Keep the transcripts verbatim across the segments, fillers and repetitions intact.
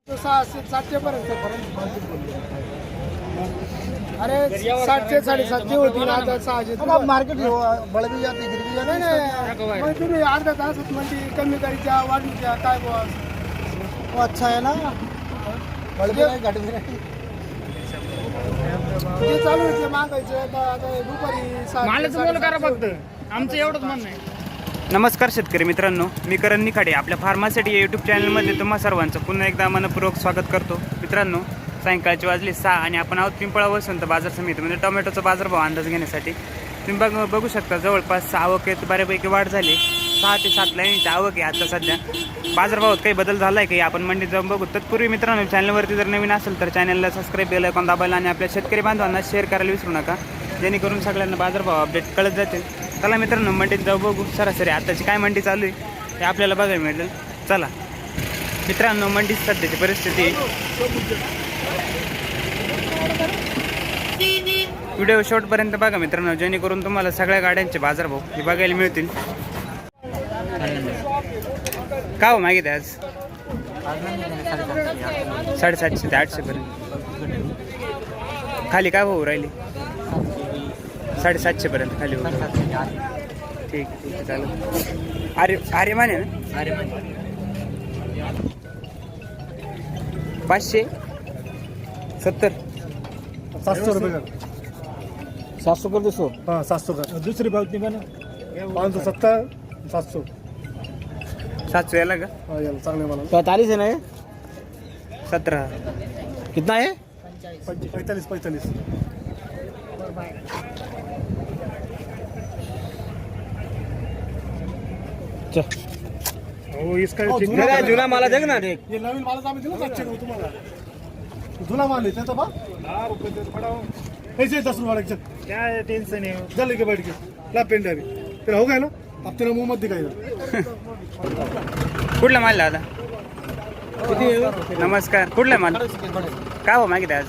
सहाशे सातशे पर्यंत अरे सातशे साडेसातशे होती ना आता सहाशे मार्केट बळ भी जाते गिर भी जाते नाही नाही तुम्ही अर्धा तासात म्हणजे कमी करायच्या वाढीच्या काय बुवा अच्छा आहे ना बळ भी नाही घट भी नाही जे चालू आहे ते मागायचं आता दुपारी मालाचं मोल करा फक्त आमचं एवढंच म्हणणं आहे. नमस्कार शेतकरी मित्रांनो, मी करण निखाडे आपल्या फार्मासिटी या यूट्यूब चॅनलमध्ये तुम्हा सर्वांचं पुन्हा एकदा मनपूर्वक स्वागत करतो. मित्रांनो, सायंकाळचे वाजले सहा आणि आपण आहोत पिंपळा वसंत बाजार समितीमध्ये टोमॅटोचा बाजारभाव अंदाज घेण्यासाठी. तुम्ही बघ बघू शकता जवळपास आवकेत बऱ्यापैकी वाढ झाली. सहा ते सात लाईनची आवक आहे आता सध्या. बाजारभावात काही बदल झाला आहे काही आपण मंडीत जाऊन बघू. तत्पूर्वी मित्रांनो, चॅनलवरती जर नवीन असेल तर चॅनलला सबस्क्राईब बेल आयकॉन दाबायला आणि आपल्या शेतकरी बांधवांना शेअर करायला विसरू नका, जेणेकरून सगळ्यांना बाजारभाव अपडेट कळत जातील. चला मित्रांनो, मंडीत जाऊ बघू सरासरी आताची काय मंडी चालू आहे ते आपल्याला बघायला मिळेल. चला मित्रांनो, मंडीत सध्याची परिस्थिती. व्हिडिओ शेवटपर्यंत बघा मित्रांनो, जेणेकरून तुम्हाला सगळ्या गाड्यांचे बाजारभाव हे बघायला मिळतील. का हो मागित आज साडेसातशे ते आठशे पर्यंत खाली काय भाऊ राहिली? साडेसातशे पर्यंत खाली होईल. ठीक ठीक आहे चालेल. अरे अरे माने ना पाचशे सत्तर सात सौ रुपये सात सौ कर दो सौ हाँ सात सौ का दूसरी बात नहीं बना पाँच सौ सत्तर सात सौ सात सौ याला का? हाँ यार चांगले मला पैंतालीस है ना ये? सत्रह कितना है? पैंतालीस पैंतालीस हो इसका जुना जुना माला देख ना देख. ये नवीन माल आम्ही दिला सातशे रुपये तुम्हाला. जुना माल आहे त्याचा बा दहा रुपये पडाव ऐसे दस रुपये वाला क्या टेन्शन आहे. जल्दी के बैठ के ला पेन डायरी तेरा हो गया ना अब तेरा मुंह मत दिखाएगा. कुठला माल दादा? नमस्कार. कुठला माल काय हो मागित आज?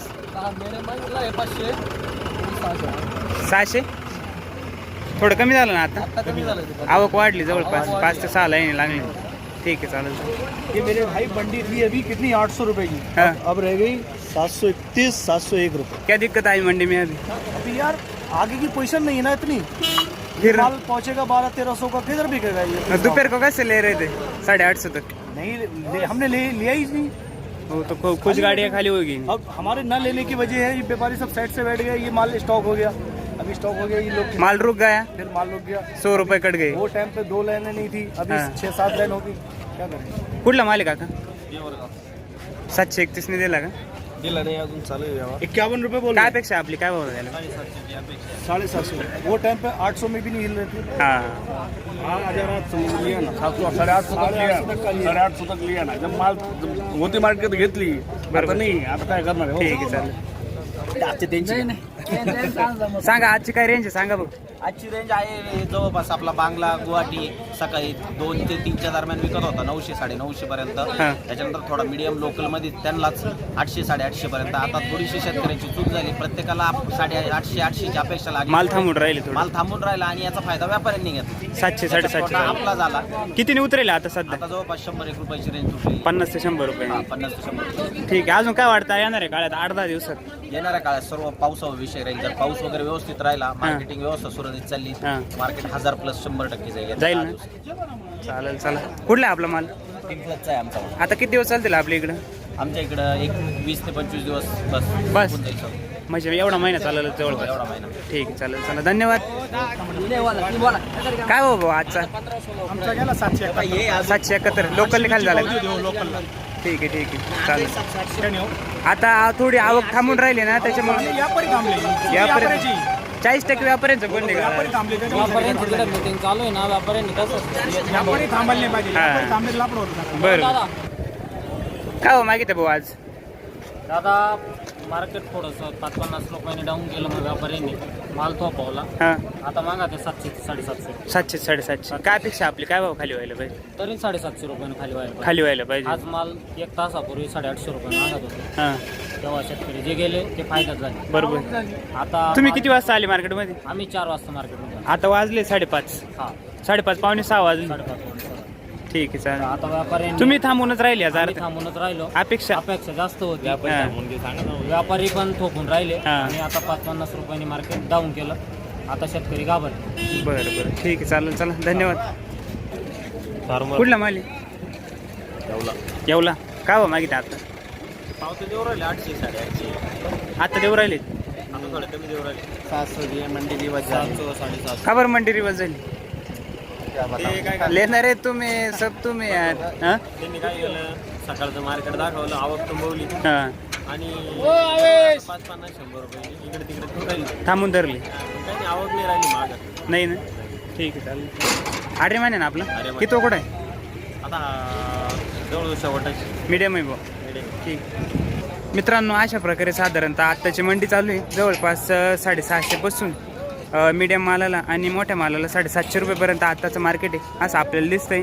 सहाशे थोडं कमी झालं ना आता? आवक वाढली जवळपास पाच ते सहा लाईन लागली. ठीक है चालेल. ये मेरे भाई बंडी थी अभी कितनी आठ सौ रुपए की. हाँ. अब रह गई सात सौ इकतीस सात सौ एक रुपये. क्या दिक्कत आई मंडी में अभी? अभी यार आगे की पोजीशन नहीं है ना इतनी. फिर माल पहुंचेगा बारह तेरह सौ का किधर बिकेगा ये. दोपहर को कैसे ले रहे थे? साढ़े आठ सौ तक. नहीं ले, हमने ले लिया ही नहीं. वो तो कु- कुछ गाड़ियाँ खाली होगी. अब हमारे न लेने की वजह है ये व्यापारी सब साइड से बैठ गए. ये माल स्टॉक हो गया. अभी स्टॉक हो गया. ये लोग माल रुक गया. फिर माल रुक गया. सौ रुपये कट गए. वो टाइम पे दो लाइनें नहीं थी. अभी हाँ. छह सात लाइन होगी. क्या करें. कुठला माल आहे काका? सातशे एकतीस ने दिला का? दिला नहीं अजून चालू है. इक्यावन रुपये बोल काय अपेक्षा आपली काय भाव झाला? साढ़े सात सौ. वो टाइम पे आठ सौ में भी नहीं हिल रहे थे. हा हजार आठ सौ लिया ना. सात सौ साढ़े आठ सौ तक लिया. साढ़े आठ सौ तक लिया ना. जब माल मोती मार्केट घेतली बरोबर नाही. आता काय करणार. ठीक आहे चालेल. आजचे त्यांचे सांगा आजची काय रेंज आहे सांगा बघ. आजची रेंज आहे जवळपास आपला बांगला गुवाहाटी सकाळी दोन ते तीनच्या दरम्यान विकत होता नऊशे साडे नऊशे पर्यंत. त्याच्यानंतर थोडा मिडियम लोकल मध्ये त्यांनाच आठशे साडे आठशे पर्यंत. आता थोडीशी शेतकऱ्यांची चूक झाली. प्रत्येकाला साडे आठशे आठशेची अपेक्षा लागली. माल थांबून राहिले थोडं. माल थांबून राहिला आणि याचा फायदा व्यापाऱ्यांनी घेतला. सातशे साडेसातशे आपला झाला. कितीने उतरेल आता सध्या? आता जवळपास शंभर एक रुपयाची रेंज तुटली. पन्नास ते शंभर रुपये. हा, पन्नास ते शंभर. ठीक आहे. अजून काय वाटतं येणार आहे काळात आठ दहा दिवसात? येणाऱ्या काळात सर्व पावसावर विषय राहील. जर पाऊस वगैरे व्यवस्थित राहिला, मार्केटिंग व्यवस्था सुरळीत चालली, हा. मार्केट हजार प्लस शंभर टक्के जाईल. जाईल ना? चालेल चला. कुठला आहे आपला माल? पिंपळाचा आहे आमचा माल. आता किती दिवस चालतील आपल्या इकडं? आमच्या इकडं एक वीस ते पंचवीस दिवस बस बस? होऊन जाईल सर. म्हणजे एवढा महिना चालेल जवळपास. एवढा महिना. ठीक आहे चालेल चला धन्यवाद. काय हो भाऊ आजचा? आमचा गेला सातशे एकाहत्तर. सातशे एकाहत्तर लोकल खाली झाला का? लोकलला. ठीक आहे ठीक आहे चालेल. आता थोडी आवक थांबून राहिली ना त्याच्यामुळे व्यापारी थांबले. व्यापारी चाळीस टक्के व्यापाऱ्यांचं कोण व्यापारी निघाला? थांबले. मीटिंग चालू आहे ना व्यापाऱ्यांनी कसं व्यापारी थांबायला नाही पाहिजे. हा. व्यापारी थांबले लापड होतं. बरं काय हो मागितलं भाऊ आज? दादा मार्केट थोडंसं पाच पन्नास रुपयांनी डाऊन केलं मग व्यापाऱ्यांनी माल थोपवला. हां आता मागा ते सातशे साडेसातशे. सातशे साडेसातशे. काय अपेक्षा आपली काय भाव खाली व्हायला पाहिजे? तरी साडेसातशे रुपयानं खाली व्हायला खाली व्हायला पाहिजे. आज माल एक तासापूर्वी साडेआठशे रुपये मागत होते. हां तेव्हा शेतकरी जे गेले ते फायद्यात झाले. बरोबर. आता तुम्ही किती वाजता आले मार्केटमध्ये? आम्ही चार वाजता मार्केटमध्ये. आता वाजले साडेपाच. हा साडेपाच पावणे सहा वाजले. साडेपाच वाजता. ठीक आहे चालेल. आता व्यापाऱ्यांनी तुम्ही थांबूनच राहिले आज आम्ही अर्ध थांबून राहिलो. अपेक्षा अपेक्षा जास्त होती. हा. व्यापारी पण थोपून राहिले हा. आणि आता पाच पन्नास रुपयांनी मार्केट डाऊन केलं. आता शेतकरी घाबर. बरं बरं ठीक आहे चालेल चला धन्यवाद. कुठला माली येवला काय हो मागितलं आता पावते देऊ राहिले आठशे साडेआठशे आता देऊ राहिले आता थोडे कमी देऊ राहिले सातशे मंडी दिवस सातशे साडेसातशे का बरं मंडी रिवर्स झाली ते काय लेणार आहे तुम्ही सब तुम्ही यार हा त्यांनी काय केलं सकाळचं मार्केट दाखवलं आवक तुंबवली हा आणि पाच पन्नास शंभर रुपये इकडे तिकडे तू राहिली थांबून धरली काही नाही आवक नाही राहिली मागं नाही ना ठीक आहे चालेल आडरे माने ना आपला आरे माने. किती कुठं आहे आता जवळ शेवटाची मीडियम आहे बुवा ठीक मित्रांनो अशा प्रकारे साधारणतः आत्ताची मंडी चालू आहे जवळपास अ, साडेसहाशेपासून मीडियम मालाला आणि मोठ्या मालाला साडेसातशे रुपयेपर्यंत आत्ताचं मार्केट आहे असं आपल्याला दिसतंय.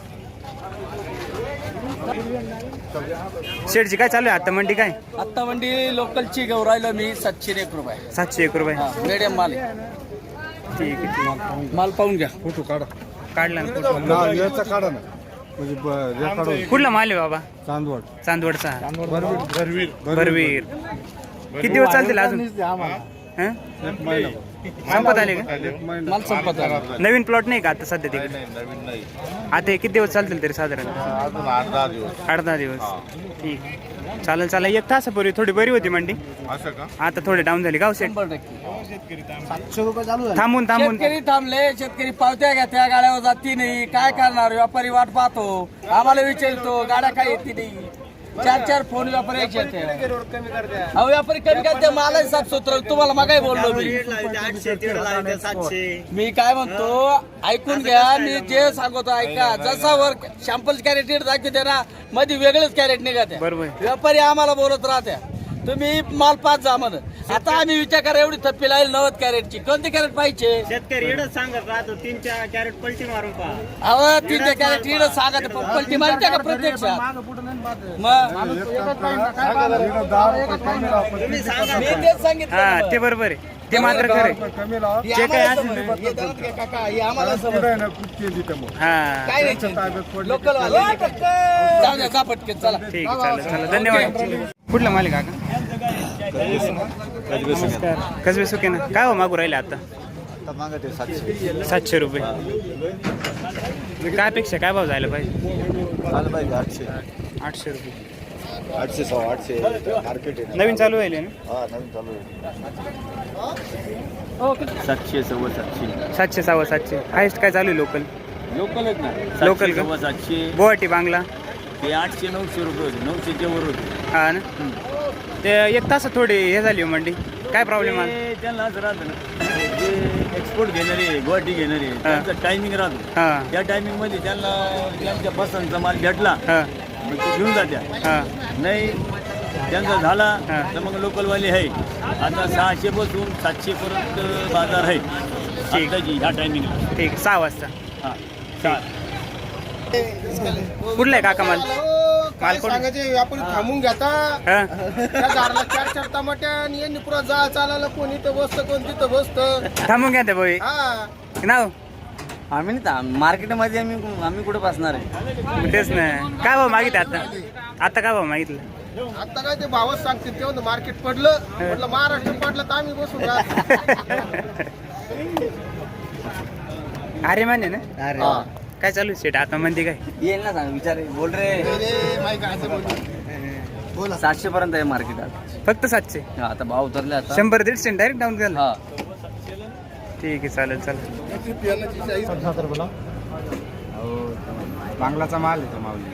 शेडची काय चालू आहे आता मंडी काय आत्ता मंडी लोकलची घेऊन राहिलो मी सातशे एक रुपये सातशे एक रुपये मिडियम माल ठीक आहे ठीक आहे. माल पाहून घ्या फोटो काढा काढला ना फोटो. ना याचा काढा ना म्हणजे ब- हे काढून कुठला माल आहे बाबा चांदवड चांदवडचा भरवीर भरवीर किती दिवस चालतील अजून हं? एक महिना संपत आले का एक महिना माल संपत आला. नवीन प्लॉट नाही का आता सध्या तिकडे नवीन नाही आता हे किती दिवस चालतील तरी साधारण अजून आठ दहा दिवस आठ दहा दिवस ठीक चालेल चालेल एक तासापूर्वी थोडी बरी होती मंडी असं का आता थोडी डाऊन झाली गाव सेट शंभर टक्के थांबून थांबून शेतकरी थांबले शेतकरी पावत्या घ्या त्या गाड्यावर जाती नाही काय करणार व्यापारी वाट पाहतो आम्हाला विचारतो गाड्या काय येते नाही चार चार फोन व्यापारी एक येते. अहो व्यापारी कमी करते मला साफ सूत्र तुम्हाला मगाही बोललो मी मी काय म्हणतो ऐकून घ्या मी जे सांगतो ऐका जसा वर शॅम्पल कॅरेट दाखवते ना मध्ये वेगळेच कॅरेट निघते बरोबर व्यापारी आम्हाला बोलत राहत्या तुम्ही माल पाच जा म्हण आता आम्ही विचार करा एवढी थप्पी लागेल नव्वद कॅरेटची कोणते कॅरेट पाहिजे शेतकरी एवढंच सांगत राहतो तीन चार कॅरेट पलटी मारून पहा. अहो तीन कॅरेट इकडं सांगा पलटी मारते का प्रत्यक्षात मग मी तेच सांगितलं हा ना. ते बरोबर आहे ते मात्र खरं आहे. कमी लावा हे जे काय आम्हाला असेल ना. समजतं. हे देवात काय काका, हे आम्हाला समजतं. पुढे ना खूप केली त्यामुळे हा काय नाही ताब्यात पडली लोकल वाले जाऊ द्या जा पटकन चला ठीक आहे चालेल चालेल धन्यवाद कुठला माल आहे काका नमस्कार कसबे सुके ना काय हो मागू राहिले आता सातशे रुपये काय अपेक्षा काय भाव जायला पाहिजे आठशे आठशे रुपये आठशे सव्वा आठशे मार्केट आहे नवीन चालू आहे ना हा नवीन चालू आहे सातशे सव्वा सातशे सातशे सव्वा सातशे हायस्ट काय चालू आहे लोकल लोकल आहेत ना लोकल का? सव्वा सातशे गुवाहाटी बांगला ते आठशे नऊशे रुपये होते नऊशेच्या वर होते हा ना ते एक तास थोडी हे झाली हो मंडी काय प्रॉब्लेम आला ते त्यांना असं राहतं ना जे एक्सपोर्ट घेणारे गुवाहाटी घेणारे त्यांचा टायमिंग राहतो हा त्या टायमिंग मध्ये त्यांना त्यांच्या पसंतचा माल भेटला हा मग ते घेऊन जात्या हा नाही त्यांचा झाला हा. तर मग लोकलवाले आहे आता सहाशे पासून सातशे पर्यंत बाजार आहे ठीक. आताची ह्या टायमिंगला ठीक आहे, सहा वाजता हा चालेल. कुठला आहे काका माल काय मालकोट. सांगायचे व्यापारी थांबून घेता हा त्या झाडाला चार चार टमाट्या आणि यांनी पुरा जा चालायला कोण इथं बसतं कोण तिथं बसतं थांबून घ्या ते भाई हा नाव आम्ही नाही मार्केटमध्ये आम्ही आम्ही कुठे बसणार आहे तेच ना काय भाव मागितलं आता आता काय भाव मागितलं आता काय ते भावच सांगतील तेव्हा मार्केट पडलं म्हटलं महाराष्ट्र पडलं तर आम्ही बसून राहतो. अरे माने ना काय चालू आहे सेट आता म्हणते काय येईल ना सांग विचार बोल रे अरे, माहिती काय असं बोलतो. सातशे पर्यंत आहे मार्केट आता फक्त सातशे हा, आता भाव उतरले आता शंभर दीडशे डायरेक्ट डाऊन झालं हा ठीक आहे चालेल चालेल बांगलाचा माल आहे तो माऊली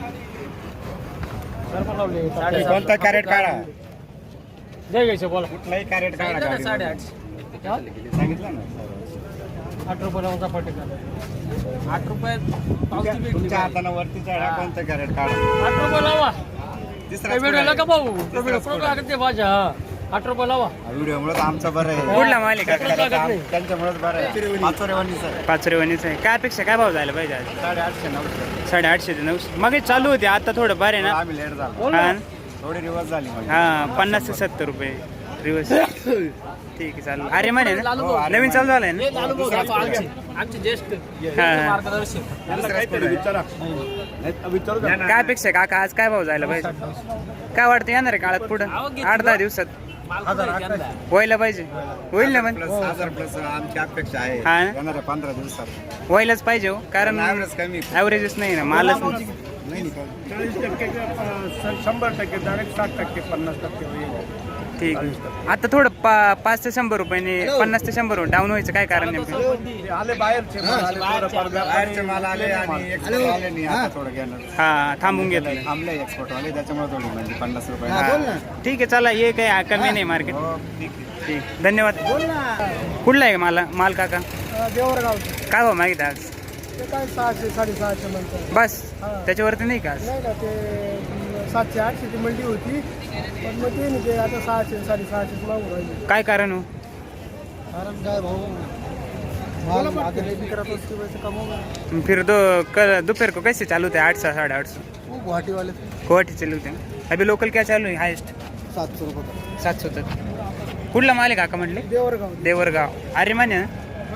कोणता कॅरेट काढा जय घ्यायचे बोला कुठलाही कॅरेट काढा सांगितलं ना आठ रुपयाला पट्टी आठ रुपये तुमच्या हाताने वरती चढा कोणतं कॅरेट काढा आठ रुपये लावा तिसरा व्हिडिओला का भाऊ ते भाज्या आठ रुपये लावा व्हिडिओ मुळे आमचं बरं आहे कुठला माल आहे काका त्यांच्यामुळेच बरं आहे पाचोरेवानीच आहे पाचरेवानीच आहे काय अपेक्षा काय भाव झाला पाहिजे आज साडेआठशे नऊशे साडेआठशे ते नऊशे मग चालू होते आता थोडं बरं आहे ना आम्ही लेट झालो हा थोडी रिवर्स झाली मग हा पन्नास ते सत्तर रुपये रिवर्स ठीक आहे चालेल. अरे म्हणे ना नवीन चालू झालंय ना हा, हा. काय अपेक्षा आहे काका आज काय भाव जायला पाहिजे काय वाटतं येणार आहे काळात पुढं आठ दहा दिवसात व्हायला पाहिजे होईल ना पण प्लस हजार प्लस आमची अपेक्षा आहे हा ना? येणाऱ्या पंधरा दिवसात व्हायलाच पाहिजे हो कारण ॲव्हरेज कमी ॲव्हरेजच नाही ना मालच नाही. चाळीस टक्के शंभर टक्के डायरेक्ट साठ टक्के पन्नास टक्के ठीक आहे. आता थोडं पा पाच ते शंभर रुपयाने पन्नास ते शंभर डाऊन व्हायचं काय कारण नेमकं आले बाहेरचे बाहेरचे माल आले आणि एक्सपोर्ट आले नाही आता थोडं घेणार हा थांबून घेतलं थांबले एक्सपोर्ट वाले त्याच्यामुळे थोडी म्हणजे पन्नास रुपये हा. ठीक आहे चला ये काही कमी नाही मार्केट हो, ठीक आहे. ठीक धन्यवाद कुठला आहे माला माल काका देवरगावचे काय भाव मागितला आज ते काय सहाशे साडेसहाशे नंतर बस त्याच्यावरती नाही का आज नाही का ते सातशे आठशे ची मंडी होती पण मग ते नाही ते आता सहाशे साडेसहाशे मागून राहिले काय कारण हो कारण काय भाऊ माल मागे करत असते वैसे कमवून फिर दो कल दोपहर को कैसे चालू थे आठ सौ साढ़े आठ सौ गुवाहाटी वाले गुवाहाटी चालू थे अभी लोकल क्या चालू है हाईएस्ट सातशे रुपये सात सौ तक कुठला माल आहे काका म्हटले देवरगाव देवरगाव अरे मान्य ना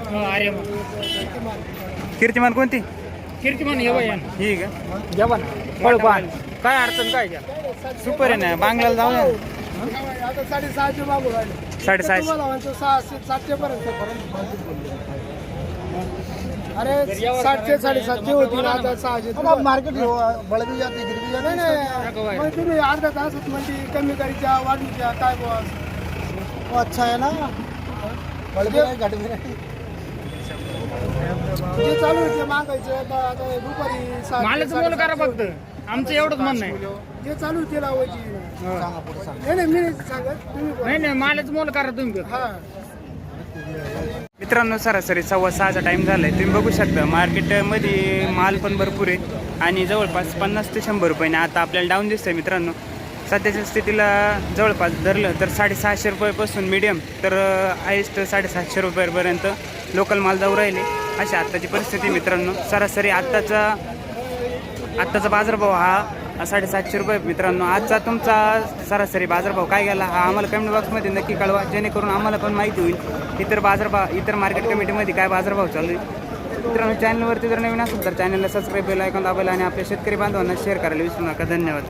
कीर्तिमान कोणती कीर्तिमान हे बाई ही का जेवण फळपान काय अडचण काय घ्या सुपर आहे ना बांगलाला जाऊ ना आता साडेसहाशे मागून राहिले साडेसहाशे तुम्हाला म्हणतो सहाशे सातशे पर्यंत अरे सातशे साडेसातशे होती ना आता सहाशे मार्केट बळबी जाते गिरबी जाते नाही मग तुम्ही अर्धा तासात म्हणजे कमी करायच्या वाढीच्या काय बुवा अच्छा आहे ना बळबी नाही घाटबी नाही जे चालू आहे ते मागायचे आता आता दुपारी सहा- मालाचं मोल करा फक्त आमचं एवढंच म्हणणं आहे जे चालू आहे ते लावायची नाही नाही मी नाही सांगत तुम्ही बोला. नाही नाही मालाचं मोल करा तुम्ही हा मित्रांनो सरासरी सव्वा सहाचा टाईम झालाय तुम्ही बघू शकता मार्केटमध्ये माल पण भरपूर आहे आणि जवळपास पन्नास ते शंभर रुपयाने आता आपल्याला डाऊन दिसतंय मित्रांनो सध्याच्या स्थितीला जवळपास धरलं तर साडेसहाशे रुपयापासून मीडियम तर हायेस्ट साडेसातशे रुपयापर्यंत लोकल माल जाऊ राहिले अशी आत्ताची परिस्थिती मित्रांनो सरासरी आत्ताचा आत्ताचा बाजारभाव हा साडेसातशे रुपये मित्रांनो आजचा तुमचा सरासरी बाजारभाव काय गेला हा आम्हाला कमेंट बॉक्समध्ये नक्की कळवा जेणेकरून आम्हाला पण माहिती होईल इतर बाजारभाव इतर मार्केट कमिटीमध्ये काय बाजारभाव चालू आहे मित्रांनो चॅनलवरती जर नवीन असेल तर चॅनलला सबस्क्राईब बेल आयकॉन दाबायला आणि आपल्या शेतकरी बांधवांना शेअर करायला विसरू नका धन्यवाद.